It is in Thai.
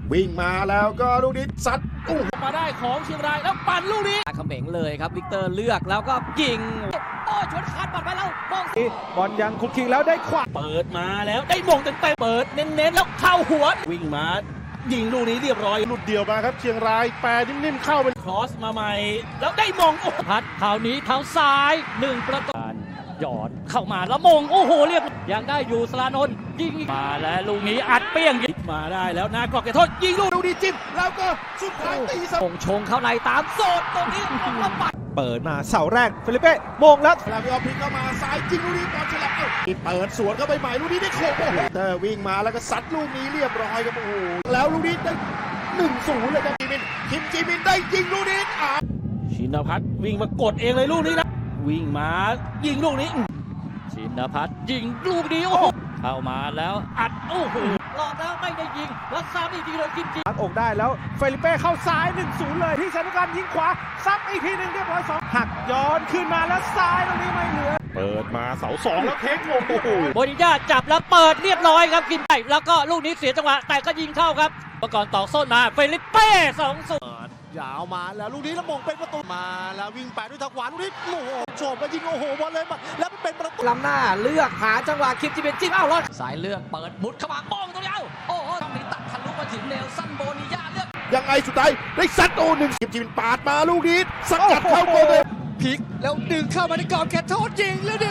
วิ่งมาแล้วก็ลูกนี้ซัดมาได้ของเชียงรายแล้วปั่นลูกนี้เขม่งเลยครับวิกเตอร์เลือกแล้วก็ยิงโอ้ชนคานปัดไปแล้วมองบอลยังคุกคิงแล้วได้ขวาเปิดมาแล้วได้มงเต็มเปิดเน้นๆแล้วเข้าหัววิ่งมายิงลูกนี้เรียบร้อยหลุดเดี่ยวมาครับเชียงรายแปรนิ่มๆเข้าเป็นครอสมาใหม่แล้วได้มงพัดคราวนี้เท้าซ้าย1ประตูหยอดเข้ามาแล้วมงโอ้โหเรียบยังได้อยู่สลานนท์ยิงมาแล้วลูกนี้อัดเปี้ยงยิงมาได้แล้วนากรอกเขตโทษยิงลูกนี้จิ้มแล้วก็สุดท้ายตีเสมอชงเข้าในตามโซนตรงนี้แล้วปัดเปิดมาเสาแรกเฟลิเป้มงแล้วแล้วก็พลิกเข้ามาซ้ายยิงลูกนี้บอลฉลับเปิดสวนเข้าไปใหม่ลูกนี้ได้โค้งเตอร์วิ่งมาแล้วก็ซัดลูกนี้เรียบร้อยครับโอ้โหแล้วลูกนี้ได้1-0เลยครับคิมจีมินได้ยิงลูกนี้ชินพัฒน์วิ่งมากดเองเลยลูกนี้นะวิ่งมายิงลูกนี้ชินพัฒน์ยิงลูกนี้โอ้โหเข้ามาแล้วอัดโอ้โหหลอกแล้วไม่ได้ยิงแล้วซ้ำอีกทีเลยกินจีตัดอกได้แล้วเฟลิเป้เข้าซ้าย 1-0 เลยที่ชนุการยิงขวาซับอีกทีหนึ่งเรียบร้อย2หักย้อนขึ้นมาแล้วซ้ายตรงนี้ไม่เหลือเปิดมาเสา2แล้วเทคลงโอ้โหโบนิญาจับแล้วเปิดเรียบร้อยครับกินไปแล้วก็ลูกนี้เสียจังหวะแต่ก็ยิงเข้าครับประกอบต่อโซนมาเฟลิเป้2-0 ยาวมาแล้วลูกนี้แล้วมงเป็นประตูมาแล้ววิ่งไปด้วยทางขวาลูกนี้โอ้โหโฉบมายิงโอ้โหบอลเลยมาแล้วเป็นประตูล้ำหน้าเลือกหาจังหวะคิมจิเป็นจิ้มรอดสายเลือกเปิดมุดเข้ามาป้องตรงนี้โอ้โหต้องมีตัดทะลุมาถึงเนลสันโบนิญาเลือกยังไงสุดท้ายได้ซัดโอ้1คิมจิเป็นปาดมาลูกนี้สกัดเข้าโกลเลยพลิกแล้วดึงเข้ามาในกรอบเขตโทษยิงแล้ว